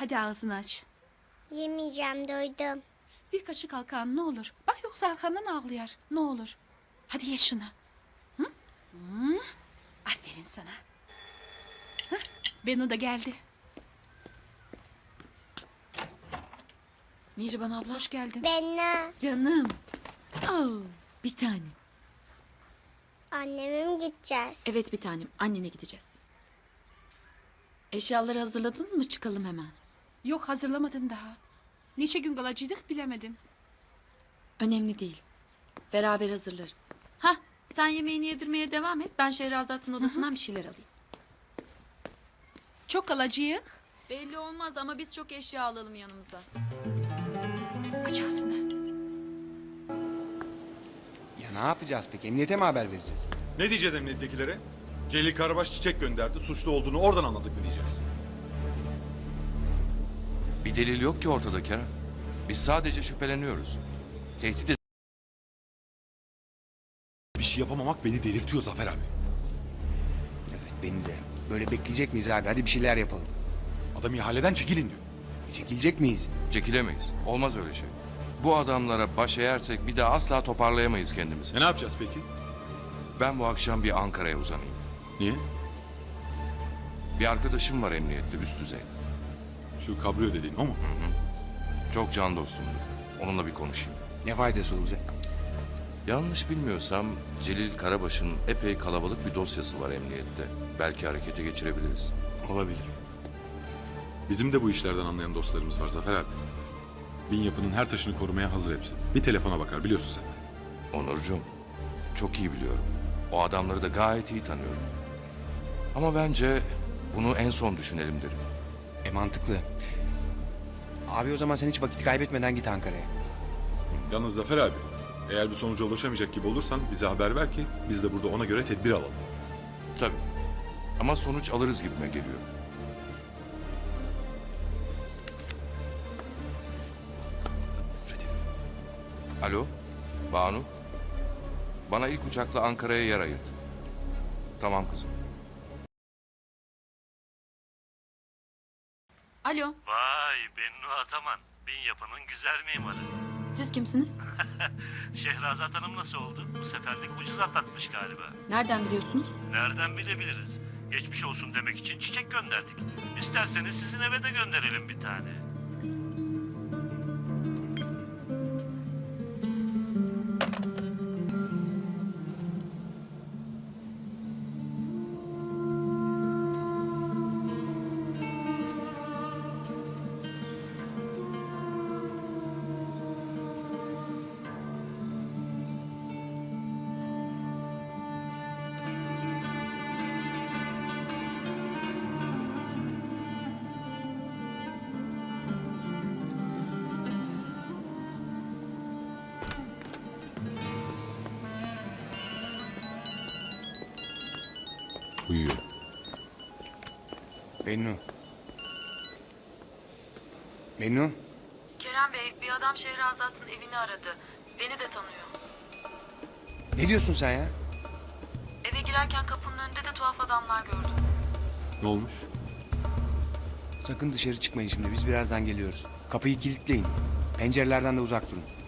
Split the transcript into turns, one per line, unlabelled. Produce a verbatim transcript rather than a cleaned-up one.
Hadi ağzını aç.
Yemeyeceğim, doydum.
Bir kaşık al kan ne olur. Bak yoksa arkandan ağlayar. Ne olur. Hadi ye şunu. Hı? Hı? Aferin sana. Hah, Benu da geldi.
Mihriban abla.
Hoş geldin.
Benle
Canım. Oh, bir tane.
anneme mi gideceğiz?
Evet bir tanem. Annene gideceğiz. Eşyaları hazırladınız mı? Çıkalım hemen.
Yok hazırlamadım daha. Niçe gün kalacaktık bilemedim.
Önemli değil. Beraber hazırlarız. Hah, sen yemeğini yedirmeye devam et. Ben Şehrazat'ın odasından bir şeyler alayım.
Çok kalacağız.
Belli olmaz ama biz çok eşya alalım yanımıza.
Aç ağzını.
Ya ne yapacağız peki? Emniyete mi haber vereceğiz?
Ne diyeceğiz emniyettekilere? Celil Karabaş çiçek gönderdi. Suçlu olduğunu oradan anladık mı diyeceğiz?
Bir delil yok ki ortada Kerem. Biz sadece şüpheleniyoruz. Tehdit
Bir şey yapamamak beni delirtiyor Zafer abi.
Evet beni de. Böyle bekleyecek miyiz abi? Hadi bir şeyler yapalım.
Adam ihaleden çekilin diyor.
E, çekilecek miyiz?
çekilemeyiz. Olmaz öyle şey. Bu adamlara baş eğersek bir daha asla toparlayamayız kendimizi.
E ne yapacağız peki?
Ben bu akşam bir Ankara'ya uzanayım.
Niye?
Bir arkadaşım var emniyette üst düzey.
Şu kabriyo dediğin o mu?
Çok can dostumdur. Onunla bir konuşayım.
Ne faydası olacak?
Yanlış bilmiyorsam Celil Karabaş'ın epey kalabalık bir dosyası var emniyette. Belki harekete geçirebiliriz.
Olabilir.
Bizim de bu işlerden anlayan dostlarımız var Zafer abi. Bin yapının her taşını korumaya hazır hepsi. Bir telefona bakar biliyorsun sen.
Onurcuğum, çok iyi biliyorum. O adamları da gayet iyi tanıyorum. Ama bence bunu en son düşünelim derim.
E mantıklı. Abi o zaman sen hiç vakit kaybetmeden git Ankara'ya.
Yalnız Zafer abi, eğer bir sonuca ulaşamayacak gibi olursan bize haber ver ki biz de burada ona göre tedbir alalım.
Tabii. Ama sonuç alırız gibime geliyor. Alo, Banu. Bana ilk uçakla Ankara'ya yer ayırt. Tamam kızım.
Alo,
Vay Bennu Ataman. Bin yapının güzel mimarı.
siz kimsiniz?
Şehrazat Hanım nasıl oldu? Bu seferlik ucuz atlatmış galiba.
Nereden biliyorsunuz?
Nereden bilebiliriz? Geçmiş olsun demek için çiçek gönderdik. İsterseniz sizin eve de gönderelim bir tane.
Uyuyor.
Bennu. Bennu.
Kerem Bey, bir adam Şehrazat'ın evini aradı. Beni de tanıyor.
Ne diyorsun sen ya?
Eve girerken kapının önünde de tuhaf adamlar gördüm.
Ne olmuş?
Sakın dışarı çıkmayın şimdi. Biz birazdan geliyoruz. Kapıyı kilitleyin. Pencerelerden de uzak durun.